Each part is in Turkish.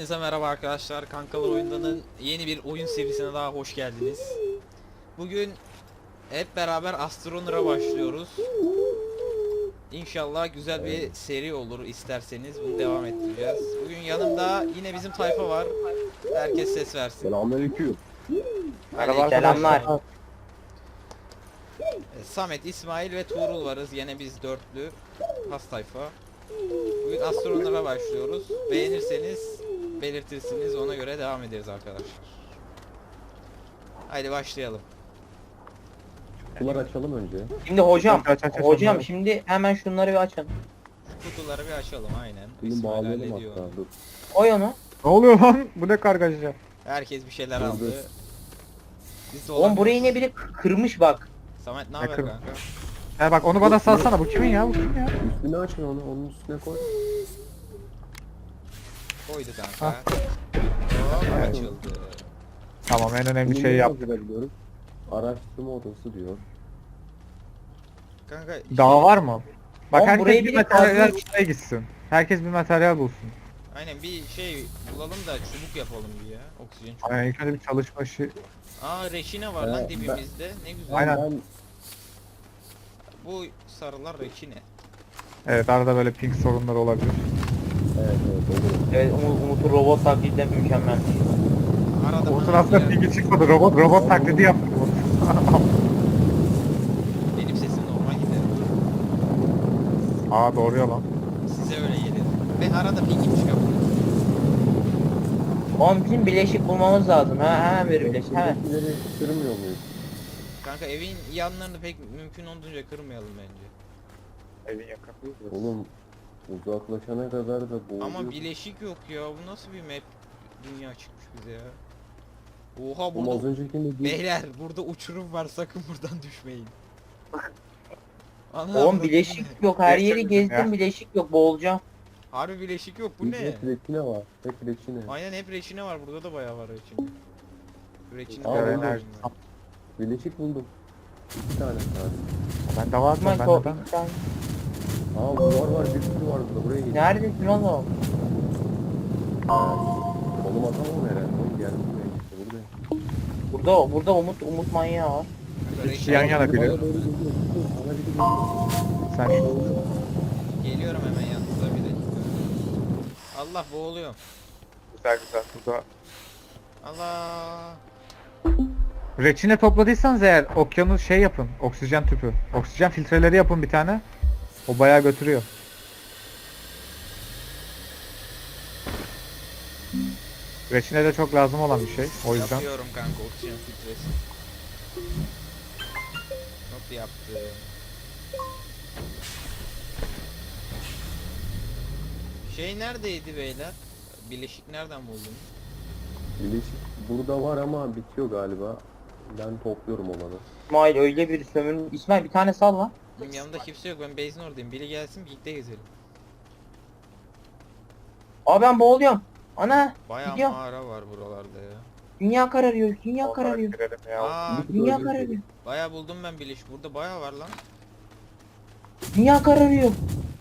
Hepinize merhaba arkadaşlar. Kankalar Oyundan'ın yeni bir oyun serisine daha hoş geldiniz. Bugün hep beraber Astroneer'a başlıyoruz. İnşallah güzel bir seri olur, isterseniz bunu devam ettireceğiz. Bugün yanımda yine bizim tayfa var. Herkes ses versin. Selamünaleyküm. Merhaba arkadaşlar. Samet, İsmail ve Tuğrul varız. Yine biz dörtlü has tayfa. Bugün Astroneer'a başlıyoruz. Beğenirseniz belirtirsiniz, ona göre devam ederiz arkadaşlar. Haydi başlayalım. Kutular açalım önce. Şimdi hocam, Aç, hocam onları. şimdi hemen şunları bir açın. Kutuları bir açalım, aynen. Bunu İsmail bağlayalım hallediyor hatta. onu. Dur. Koy onu. Ne oluyor lan? Bu ne kargaşa? Herkes bir şeyler Dur, aldı. dur. Biz de Oğlum burayı olamıyoruz. yine biri kırmış bak. Samet ne Ne haber kır- kanka? Ya bak onu bana salsana. Bu kimin ya? Bu kim ya? Üstüne açın onu. Onun üstüne koy. Koydu kanka. Ah. Hop, açıldı. Tamam, en önemli Bunu şeyi nasıl yap. hazırlayabiliyoruz? Araştırma odası diyor. Kanka Daha var mı? Bak Oğlum, herkes burayı bir biri materyal kazmış. bulmaya gitsin. Herkes bir materyal bulsun. aynen bir şey bulalım da çubuk yapalım bir ya. Oksijen çubuğu. Aynen, ilk önce bir çalışma işi. Aa reçine var lan Ben- dibimizde. Ne güzel. Aynen. Ben Bu sarılar reçine. Evet, arada böyle ping sorunları olabilir. evet olur. Evet Umut'un robot taklidi mükemmel. Arada O bana sırasında bir yer- pingi çıkmadı. Robot taklidi yaptı. benim sesim normal gider. Aa, doğru ya lan. Size öyle gelir. Ve arada pingim çıkıyor. Oğlum bizim bileşik bulmamız lazım. Hemen bir bileşik. Hemen. Buradakileri kırmıyor muyuz? Kanka evin yanlarını pek mümkün olduğunca kırmayalım bence. Evin yakın. Oğlum uzaklaşana kadar da boğuluyor. Ama bileşik yok ya. Bu nasıl bir map dünya çıkmış bize ya. Oha Oğlum az burada öncekinde bir beyler burada uçurum var, sakın buradan düşmeyin. Ana, Oğlum bu bileşik ne? yok. Her yeri Gerçekten gezdim ya. bileşik yok. Boğulacağım. Harbi bileşik yok, bu bir ne? hep reçine var. Hep reçine. Aynen hep reçine var, burada da bayağı var reçine. Reçine Aa, de buldum. var. Bileşik buldum. Bir tane sadece. Ben de var mı? Osman Ben ko- de bir tane- Aa var bir sürü var burada. Buraya gel. Neredesin oğlum? Oğlum atamam herhalde. Oğlum geldim buraya işte buradayım. Burada Umut manyağı var. Kanka, İkisi yan reçine- yana biri. Bana doğru geliyor. Bana biri geliyor. Sen Geliyorum hemen yanınıza, bir dakika. Allah, boğuluyorum. güzel. Burada Allah. reçine topladıysanız eğer okyanus şey yapın. Oksijen tüpü. Oksijen filtreleri yapın bir tane. O bayağı götürüyor. Reçine de çok lazım olan bir şey. O yüzden. Yapıyorum kanka oksijen filtresi. Hop yaptım. Şey neredeydi beyler? Bileşik nereden buldun? Bileşik burada var ama bitiyor galiba. Ben topluyorum olanı. İsmail öyle bir sömürün. İsmail bir tane sal lan. Benim yanımda kimse yok, ben base'in oradayım. Biri gelsin birlikte gezelim. Aa ben boğuluyorum. Ana Bayağı gidiyor. mağara var buralarda ya. Dünya kararıyor. Dünya kararıyor. Aa, Bir Dünya bölge- kararıyor. bayağı buldum ben bileşik. Burada bayağı var lan. Dünya kararıyor.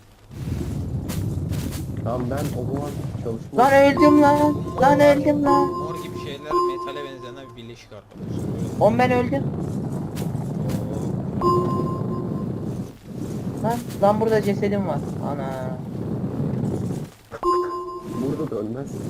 Tamam ben o zaman çalışma... Lan öldüm lan. Lan öldüm lan. Mor gibi şeyler, metale benzeyen bir bileşik arkadaşlar. Oğlum ben öldüm. Lan burada cesedim var. Ana. Burada da ölmezsin.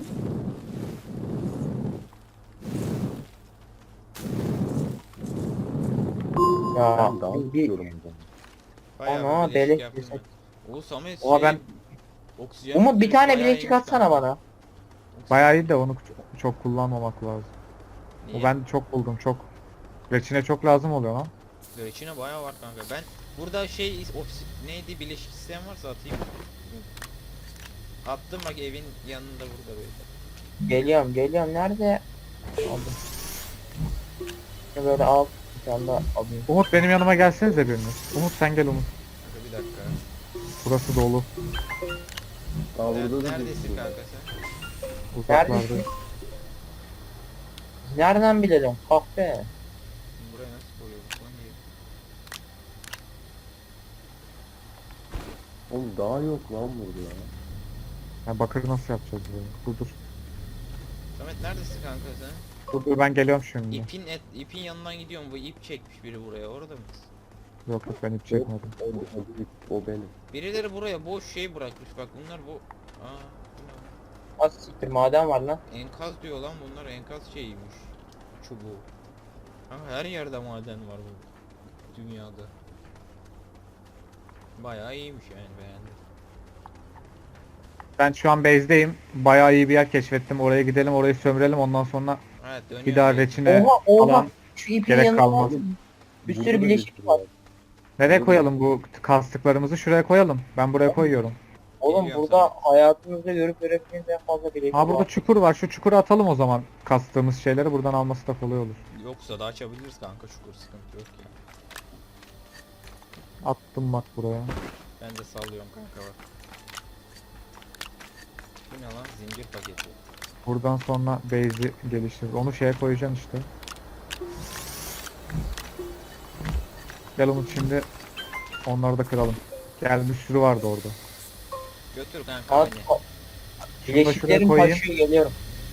Ya Ben daha bir istiyorum o zaman. Bayağı Ana, bir bileşik beleş yaptım ceset. ben. O Samet Oha, ben- oksijen Umut bir filtresi tane bayağı bile iyiymiş çıkartsana kanka. bana. Bayağı iyi de onu çok kullanmamak lazım. Niye? O ben çok buldum çok. Reçine çok lazım oluyor lan. İçine bayağı var kanka. Ben burada neydi, bileşik isteyen varsa atayım. Attım bak, evin yanında burada böyle. Geliyorum. Nerede? Aldım. Şunu böyle al. Bir tane daha alayım. Umut benim yanıma gelsenize biriniz. Umut sen gel Umut. Kanka bir dakika. Burası dolu. Aa burada da Neredesin bir- kanka sen? Uzaklarda. Neredesin? Nereden bilelim? Kahve. Buraya nasıl koyuyoruz lan diye. Oğlum daha yok lan burada ya. Ya bakır nasıl yapacağız böyle? Dur. Samet neredesin kanka sen? Dur ben geliyorum şimdi. İpin yanından gidiyorum. Bu ip çekmiş biri buraya. Orada mısın? Yok yok ben hiç çekmedim. O benim. Birileri buraya boş şey bırakmış. Bak bunlar bu. Aa, bu ne lan? Az siktir maden var lan. Enkaz diyor lan bunlar. Enkaz şeyiymiş. Çubuğu. Ama her yerde maden var bu dünyada. Bayağı iyiymiş yani, beğendim. Ben şu an base'deyim. Bayağı iyi bir yer keşfettim. Oraya gidelim, orayı sömürelim. Ondan sonra Evet, dönüyorum. bir daha ben. reçine Oha falan. şu ipin gerek yanına kalmaz. var. Bir Burada sürü da bileşik bir var. şey Nereye koyalım bu kastıklarımızı? Şuraya koyalım. Ben buraya koyuyorum. Oğlum Geliyorum burada sana. hayatımızda görüp göremediğimiz en fazla bileşik Ha burada var. çukur var. Şu çukura atalım o zaman. Kastığımız şeyleri buradan alması da kolay olur. Yoksa da açabiliriz kanka, çukur sıkıntı yok ya. Attım bak buraya. Ben de sallıyorum kanka bak. Bu ne lan? Zincir paketi. Buradan sonra base'i geliştiririz. Onu şeye koyacaksın işte. Gel Umut şimdi onları da kıralım. Gel bir sürü vardı orada. Götür kanka Az, beni. bileşiklerim koyayım. taşıyor geliyorum.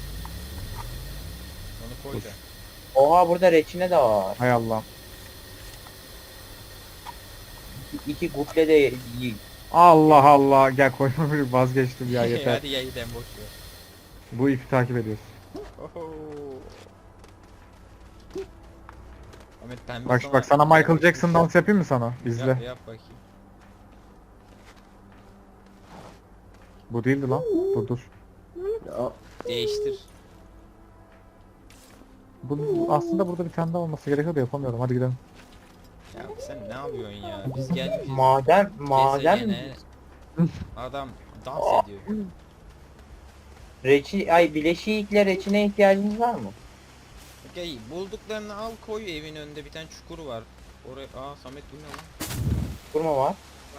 Onu koy da. Oha burada reçine de var. Hay Allah. İki guple de Allah Allah. Gel koyma bir vazgeçtim ya yeter. Hadi ya, gidelim boş ver. Bu ipi takip ediyoruz. Oho. Ahmet pembe Bak sana Michael Jackson dans yapayım mı sana? İzle. Yap bakayım. Bu değildi lan. Dur. Ya, Değiştir. Bu aslında burada bir tane daha olması gerekiyor da yapamıyorum. Hadi gidelim. Ya sen ne yapıyorsun ya? Biz gelmişiz. maden mi? Gezegene. Adam dans ediyor. Bileşikle reçine ihtiyacınız var mı? Okey, bulduklarını al koy, evin önünde bir tane çukur var. Oraya, Samet bu ne lan? Kurma var.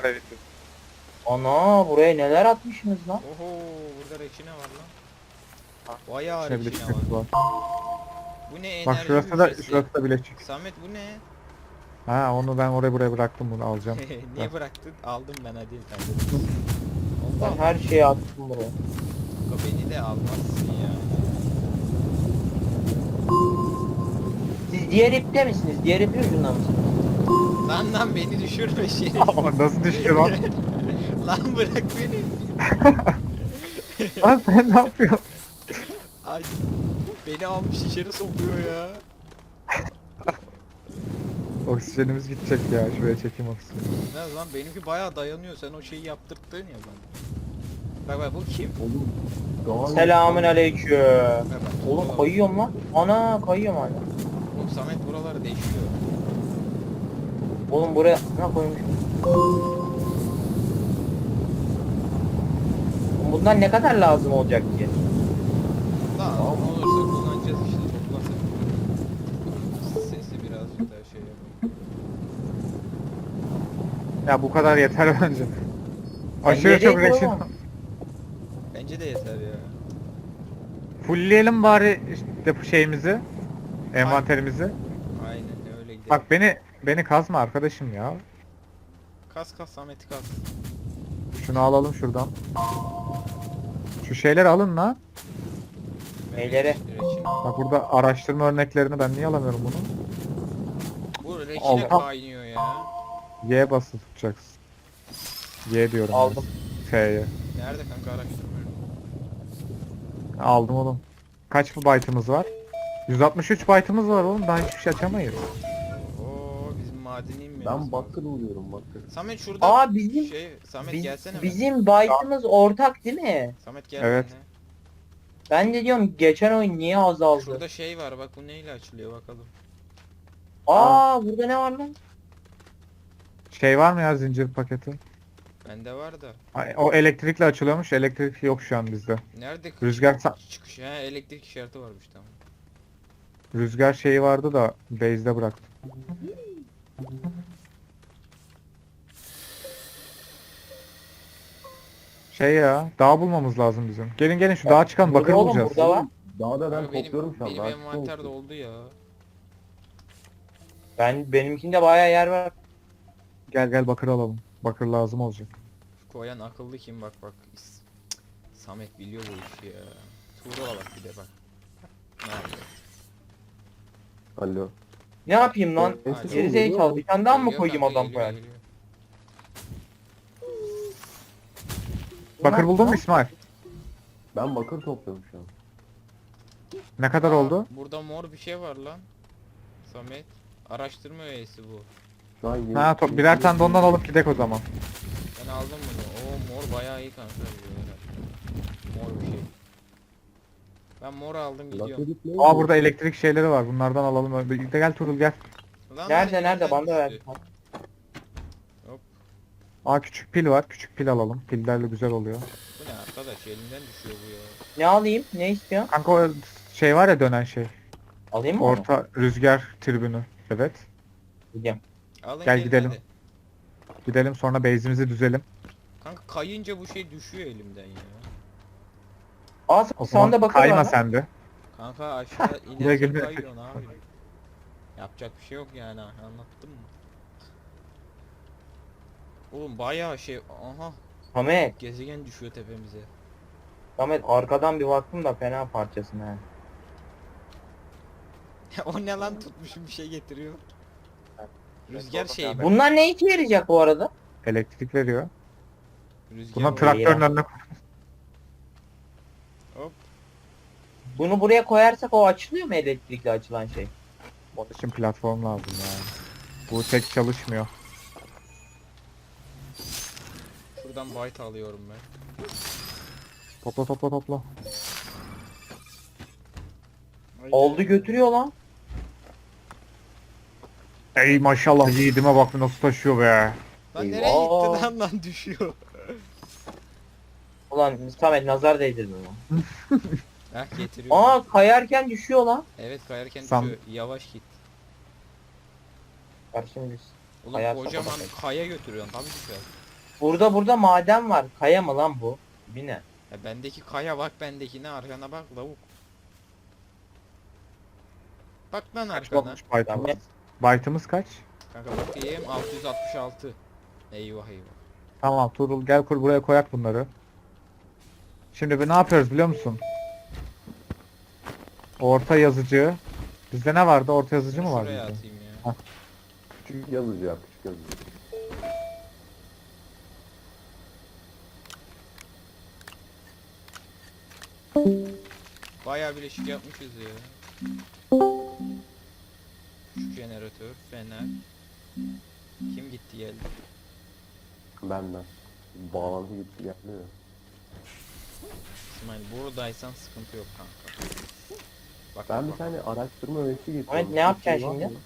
Ana buraya neler atmışsınız lan? Oho, burada reçine var lan. Bayağı İçine bir de reçine çıkıntı var. var. Bu ne, enerji Bak şurası da hücresi. şurası da bileşik. Samet bu ne? Ha onu ben oraya buraya bıraktım bunu alacağım. Niye bıraktın? Aldım ben, hadi sen de. Ben Allah, her şeyi attım buraya. kanka beni de almazsın ya. Siz diğer ipte misiniz? Diğer ipin ucunda mısınız? Lan beni düşürme şey. Ama nasıl düştü lan? Lan bırak beni. Lan sen ne yapıyorsun? Ay, beni almış içeri sokuyor ya. Oksijenimiz gidecek ya. Şuraya çekeyim oksijeni. Ne lan, benimki bayağı dayanıyor, sen o şeyi yaptırttın ya bana. Bak bu kim? oğlum. Daha Selamün aleyküm. Bak, Oğlum buralar- kayıyorum lan. Ana kayıyorum hala. Oğlum Samet buraları değişiyor. Oğlum buraya ne koymuş? Bundan ne kadar lazım olacak ki? Daha ne olursa kullanacağız işte, toplasak. Sesi birazcık daha şey yapayım. Ya bu kadar yeter bence. Aşırı nereye çok reçin. koyamam? Bence de yeter ya. Fullleyelim bari işte bu şeyimizi. Envanterimizi. Aynen öyle gidelim. Bak beni kazma arkadaşım ya. Kas Samet'i kas. Şunu alalım şuradan. Şu şeyleri alın lan. Neyleri? Reçine. Bak burada araştırma örneklerini ben niye alamıyorum bunu? Bu reçine Allah. kaynıyor ya. Y basılı tutacaksın. Y diyorum. Aldım. T'ye. Nerede kanka, araştırma? Aldım oğlum. Kaç byte'ımız var? 163 byte'ımız var oğlum. Daha hiçbir şey açamayız. Oo, bizim madeni inmiyoruz. Ben bakır oluyorum bakır. Samet şurada Aa bizim Samet gelsene mi? bizim byte'ımız ortak değil mi? Samet gel Evet. benimle. Ben de diyorum geçen oyun niye azaldı? Şurada şey var bak, bu neyle açılıyor bakalım. Aa burada ne var lan? Şey var mı ya zincir paketi? Bende var da. Ay, o elektrikle açılıyormuş. Elektrik yok şu an bizde. Nerede Rüzgar çıkış? Ha, elektrik işareti varmış, tamam. Rüzgar şeyi vardı da base'de bıraktım. Şey ya, dağ bulmamız lazım bizim. Gelin şu dağa çıkalım, bakır Burada oğlum, bulacağız. burada var. Daha da ben Kanka topluyorum şu an. benim daha envanter çıkmamış. doldu ya. Benimkinde bayağı yer var. Gel bakır alalım. Bakır lazım olacak. Koyan akıllı kim, bak. Samet biliyor bu işi ya. Tuğrul'a bak bir de bak. Ne yapıyor? Alo. Ne yapayım lan? Ben Alo. Geri zekalı. Bir tane daha mı Geliyor koyayım kanka, adam geliyor, koyar? geliyor. Bakır buldun mu İsmail? Ben bakır topluyorum şu an. Ne kadar Aa, oldu? Burada mor bir şey var lan. Samet. Araştırma üyesi bu. Şu an yeni, Ha birer tane de ondan alıp gidek o zaman. Ben aldım bunu. Oo mor bayağı iyi kanka. Mor bir şey. Ben mor aldım gidiyorum. Bakır ne? Aa burada elektrik şeyleri var. Bunlardan alalım. De gel Turul gel. Lan Nerede lan, nerede? elimden Bana da ver. düştü. Aa küçük pil var. Küçük pil alalım. Pillerle güzel oluyor. Bu ne arkadaş, elimden düşüyor bu ya. Ne alayım? Ne istiyorsun? Kanka o şey var ya dönen şey. Alayım mı onu? Orta rüzgar tribünü. Evet. Gideyim. Alın Gel gelin gidelim. hadi. Gidelim sonra base'imizi düzelim. Kanka kayınca bu şey düşüyor elimden ya. Aa O sanda zaman bakır kayma var lan. sen de. Kanka aşağı Buraya inerken gelme. kayıyorsun abi. Yapacak bir şey yok yani, anlattım mı? Oğlum bayağı şey, aha Samet. gezegen düşüyor tepemize. Samet arkadan bir baktım da fena parçasın ha. O ne lan, tutmuşum bir şey getiriyor. Rüzgar şeyi bu. Bunlar ne işe yarayacak bu arada? Elektrik veriyor. Rüzgar Buna o. traktörün ya. önüne koy. Hop. Bunu buraya koyarsak o açılıyor mu elektrikli açılan şey? Onun için platform lazım ya. Bu tek çalışmıyor. Şuradan byte alıyorum ben. Topla topla topla. Oldu götürüyor lan. Ey maşallah yiğidime bak nasıl taşıyor be. Lan nereye Eyvah. gitti lan düşüyor. Ulan Samet nazar değdirdin lan. Heh getiriyor. Aa kayarken düşüyor lan. Evet kayarken Sam- düşüyor. Yavaş git. Bak şimdi biz. Oğlum Kayarsa kocaman bakalım. kaya götürüyorsun tabii düşer. Burada maden var. Kaya mı lan bu? Bir ne? Ya bendeki kaya bak, bendekine arkana bak lavuk. Bak lan arkana. Olmuş byte'ımız. Samet. Byte'ımız kaç? Kanka bakayım 666. Eyvah eyvah. Tamam Turul gel kur buraya koyak bunları. Şimdi bir ne yapıyoruz biliyor musun? Orta yazıcı. Bizde ne vardı? Orta yazıcı mı vardı? Şuraya bizde? atayım ya. Küçük yazıcı yap, küçük yazıcı. Bayağı bileşik yapmışız ya. Şu jeneratör, fener. Kim gitti geldi? Benden. Bağlantı gitti geldi ya. İsmail buradaysan sıkıntı yok kanka. Bak Ben bak, bir tane araştırma öğesi getirdim. Ahmet, ne yapacaksın Var şimdi? mı?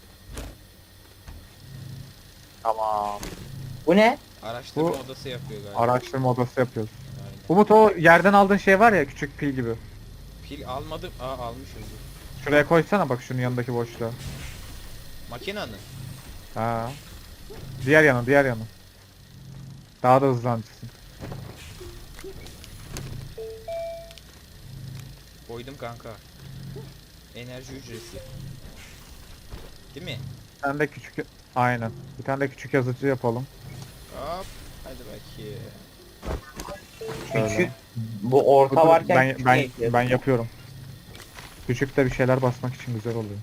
Tamam. Bu ne? araştırma Bu- odası yapıyor galiba. Araştırma odası yapıyoruz. Aynen. Umut o yerden aldığın şey var ya küçük pil gibi. Pil almadım. Aa almışız. Şuraya koysana bak şunun yanındaki boşluğa. Makinenin. Ha. Diğer yana diğer yana. Daha da hızlanırsın. Koydum kanka. Enerji hücresi. Değil mi? Bir tane de küçük aynen. Bir tane de küçük yazıcı yapalım. Hop. Hadi bakayım. Şöyle. Küçük. Bu orta Dur, varken ben küçük ben ne ekliyorsun? ben yapıyorum. Küçük de bir şeyler basmak için güzel oluyor.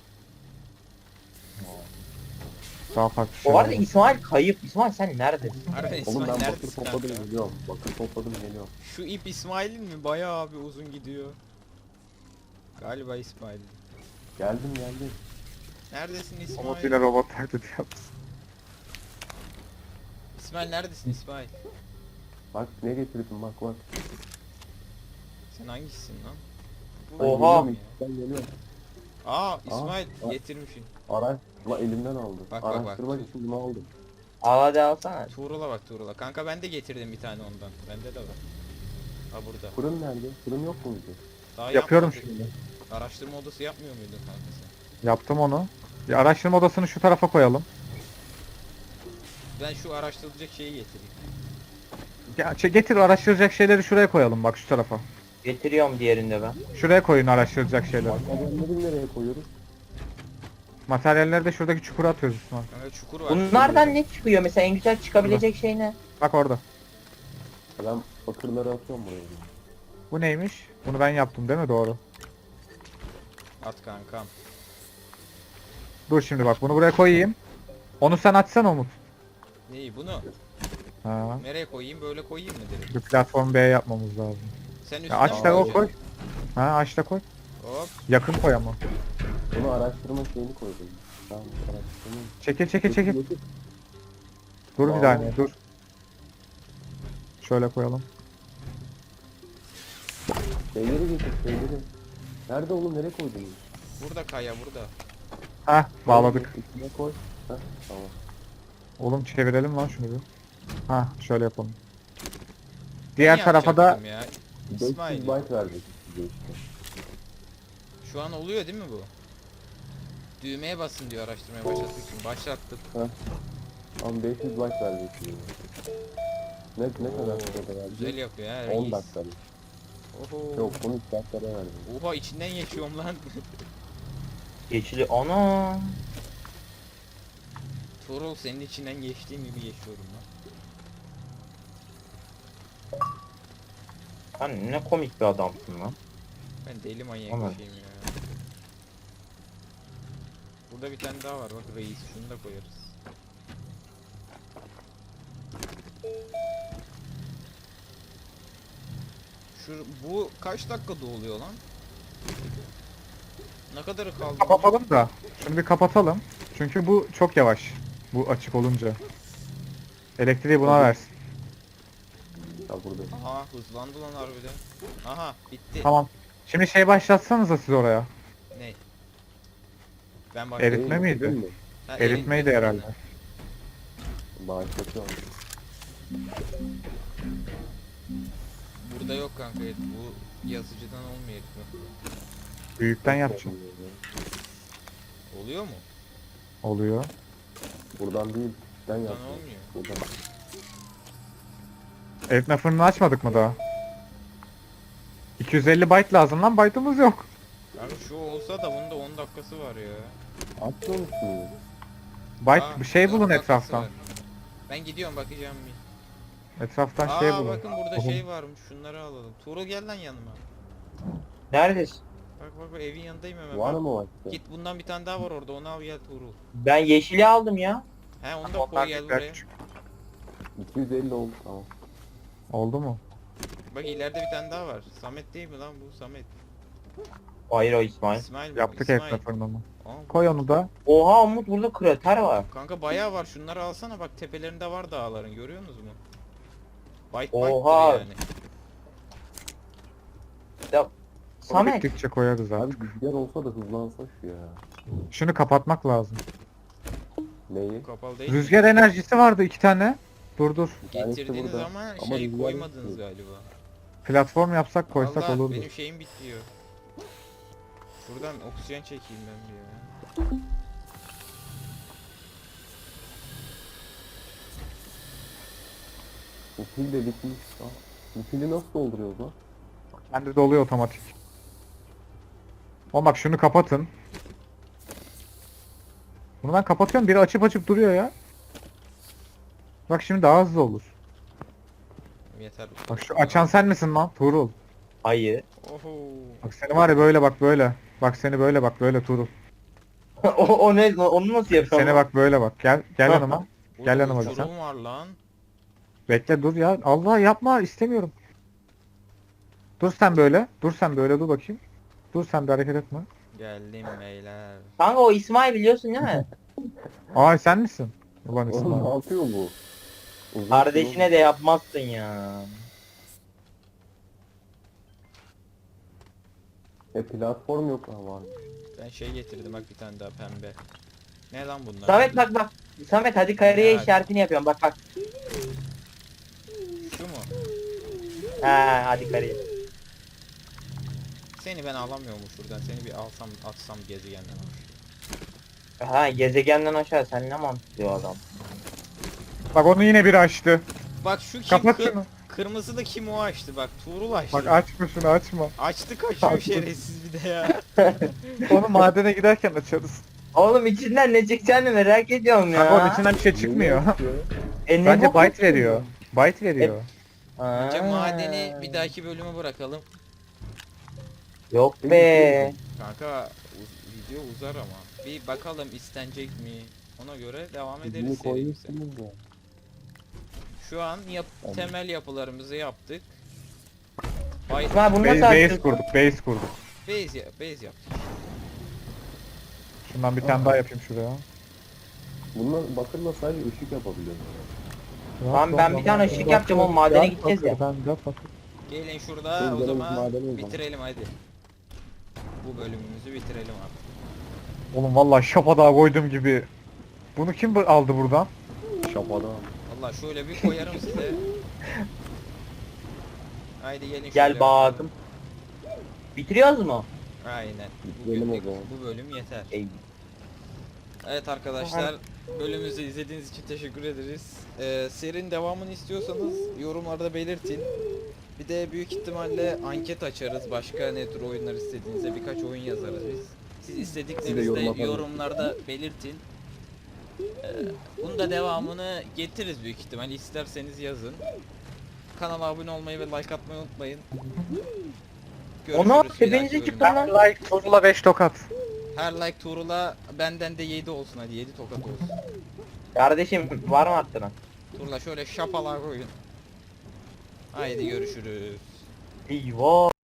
Daha farklı Bu arada şeyler. İsmail kayıp. İsmail sen neredesin? Harbiden Oğlum İsmail ben bakır neredesin topladım kanka? geliyorum. Bakır topladım geliyorum. Şu ip İsmail'in mi? Bayağı abi uzun gidiyor. Galiba İsmail. Geldim geldim. Neredesin İsmail? Umut ile robot taklidi yaptı. İsmail neredesin İsmail? Bak ne getirdim bak bak. Sen hangisisin lan? Ben Oha. geliyorum, ben geliyorum. Aa İsmail aa. getirmişsin. Araştırma elimden aldı. Bak, bak, bak. Araştırmak için bunu aldım. Al hadi alsana. Tuğrul'a bak Tuğrul'a. Kanka ben de getirdim bir tane ondan. Bende de var. Ha burada. Fırın nerede? Fırın yok muydu? Daha Yapıyorum yapmadık. şimdi. Araştırma odası yapmıyor muydun kanka sen? Yaptım onu. Bir araştırma odasını şu tarafa koyalım. Ben şu araştırılacak şeyi getireyim. Getir araştıracak şeyleri şuraya koyalım bak şu tarafa. Getiriyorum diğerinde ben. Şuraya koyun araştıracak şeyleri. Materyalleri nereye koyuyoruz? Materyalleri de şuradaki çukura atıyoruz Osman. Kanka çukur var. Bunlardan ne çıkıyor mesela en güzel çıkabilecek şey ne? Bak orada. Ben bakırları atıyorum buraya. Bu neymiş? Bunu ben yaptım değil mi? Doğru. At kankam. Dur şimdi bak bunu buraya koyayım. Onu sen açsana Umut. Neyi bunu? Ha. Nereye koyayım? Böyle koyayım mı direkt? Bir platform B yapmamız lazım. Sen üstüne Ya aç mi da o koyacaksın? koy. Ha aç da koy. Hop. Yakın koy ama. Bunu araştırma şeyini koydum. Tamam araştırma. Çekil çekil çekil. Getir. Dur bir Vallahi. saniye dur. Şöyle koyalım. Şeyleri getir şeyleri. Nerede oğlum nereye koydun? Burada kaya burada. Heh bağladık. İçine koy. Heh, tamam. Oğlum çevirelim lan şunu bir. Ha şöyle yapalım. Diğer Ne tarafa da yapacaktım ya? 500 İsmail. byte verecek size işte. Şu an oluyor değil mi bu? Düğmeye basın diyor araştırmaya başlattık için. Başlattık. Ama 500 byte verecek size. Ne kadar Oo, sürede verecek? güzel yapıyor ha 10 reis. dakikada. Oho. Yok 13 dakikada verecek. Oha içinden geçiyorum lan. Geçili ana. Tuğrul senin içinden geçtiğim gibi geçiyorum lan. Sen ne komik bir adamsın lan. Ben deli manyak Aman. bir şeyim ya. Burada bir tane daha var bak reis şunu da koyarız. Bu kaç dakikada oluyor lan? Ne kadarı kaldı? kapatalım da. Şunu bir kapatalım. Çünkü bu çok yavaş. Bu açık olunca. Elektriği buna versin. Ya burada. Aha hızlandı lan harbiden. Aha bitti. Tamam. Şimdi şey başlatsanıza siz oraya. Ne? Ben Eritme başladım. miydi? Değil mi? Ha, Eritmeydi eritme herhalde. sonra. Bağışlatıyorum. Burada yok kanka bu yazıcıdan olmuyor eritme. Büyükten yapacağım. Oluyor mu? Oluyor. Buradan değil. Ben Buradan yaptım. olmuyor. Buradan. Eritme fırını açmadık mı daha? 250 byte lazım lan, byte'ımız yok. Kanka şu olsa da bunda 10 dakikası var ya. Atmıyor musun? Byte Aa, bir şey 10 bulun dakikası etraftan. var. Ben gidiyorum bakacağım bir. Etraftan Aa şey bulun. bakın burada Oğlum, şey varmış şunları alalım. Tuğrul gel lan yanıma. Neredesin? Bak evin yanındayım hemen. Var Bak. mı vakti? Git bundan bir tane daha var orada onu al gel Tuğrul. Ben yeşili aldım ya. He onu da onlar koy gel büyükler, buraya. küçük. 250 oldu tamam. Oldu mu? Bak ileride bir tane daha var. Samet değil mi lan bu Samet? Hayır o İsmail. İsmail mi? bu? Yaptık İsmail. eritme fırınını. Aa, Koy onu da. Oha Umut burada krater var. kanka bayağı var şunları alsana bak tepelerinde var dağların görüyorsunuz mu? Byte Oha. byte'dır yani. Ya Onu Samet. bittikçe koyarız Abi artık. rüzgar olsa da hızlansa şu ya. Şunu kapatmak lazım. Neyi? Kapalı değil mi? Rüzgar enerjisi vardı 2 tane. Dur dur. Bir tanesi Getirdiğiniz burada. ama Ama şey rüzgar koymadınız yok. galiba. Platform yapsak koysak Allah olurdu. benim şeyim bitiyor. Şuradan oksijen çekeyim ben bir ya. Bu pil de bitmiş. Aa, bu pili nasıl dolduruyoruz lan? Kendi doluyor otomatik. Oğlum bak şunu kapatın. Bunu ben kapatıyorum, biri açıp açıp duruyor ya. Bak şimdi daha hızlı olur. Yeter. Bak şu açan sen misin lan Tuğrul? Hayır. Oho. Bak seni var ya böyle bak böyle. Bak seni böyle bak böyle Tuğrul. o ne? Onu nasıl yapıyorum? Seni bak böyle bak. Gel yanıma. Burada yanıma bir uçurum var lan. Bekle dur ya. Allah yapma istemiyorum. Dur sen böyle. Dur sen böyle dur bakayım. Dur sen de hareket etme. Geldim beyler. Kanka o İsmail biliyorsun değil mi? Ay sen misin? Ulan Oğlum ne İsmail. yapıyor bu? Uzun Kardeşine de yapmazsın ya. platform yok ha var. Ben şey getirdim bak bir tane daha pembe. Ne lan bunlar? Samet bak. Samet hadi kareye Ya. işaretini yapıyorum bak. Şu mu? Ha hadi kareye. Seni ben alamıyorum şuradan. Seni bir alsam atsam gezegenden aşağı. Ha gezegenden aşağı sen ne mantıklı o adam. Bak onu yine biri açtı. Bak şu kim? Kapat şunu. Kırmızı da kim o açtı bak. Tuğrul açtı. Bak açma şunu açma. Açtı kaçıyor Açtı. şerefsiz bir de ya. Onu madene giderken açarız. Oğlum içinden ne çıkacağını merak ediyorum ya. Bak onun içinden bir şey çıkmıyor. Ne Bence bu? byte veriyor. Byte veriyor. Ha. Bence madeni bir dahaki bölüme bırakalım. Yok be. Kanka video uzar ama. Bir bakalım istenecek mi? Ona göre devam Bunu ederiz serimize. koymuşsunuz ya. Şu an Tamam. temel yapılarımızı yaptık. Bay İsmail bunu nasıl Base açtın? kurduk, base kurduk. base yaptık. Şundan bir tane daha yapayım şuraya. Bunlar bakırla sadece ışık yapabiliyorum. Tamam, ben bir tane ışık yapacağım oğlum, madene gideceğiz ya. Ben de bakır. Gelin şurada Şimdi o gidelim zaman madene o zaman. bitirelim hadi. Bu bölümümüzü bitirelim artık. Oğlum vallahi şapadağa koydum gibi. Bunu kim aldı buradan? Şapada. Allah şöyle bir koyarım size. Haydi gelin Gel şöyle bakalım. Bitiriyoruz mu? Aynen. Bitirelim o Bugünlük zaman. bu bölüm yeter. Ey. Evet arkadaşlar, bölümümüzü izlediğiniz için teşekkür ederiz. Serinin devamını istiyorsanız yorumlarda belirtin. Bir de büyük ihtimalle anket açarız. Başka ne tür oyunlar istediğinizde birkaç oyun yazarız biz. Siz istediklerinizi yorum de atalım. yorumlarda belirtin. Bunun da devamını getiririz büyük ihtimal. İsterseniz yazın. Kanala abone olmayı ve like atmayı unutmayın. Onu bir dahaki tepenize bölümde. çıktı lan. Like Tuğrul'a 5 tokat. Her like Tuğrul'a benden de 7 olsun hadi 7 tokat olsun. Kardeşim var mı arttırın? Tuğrul'a şöyle şapala koyun. Haydi görüşürüz. Eyvah.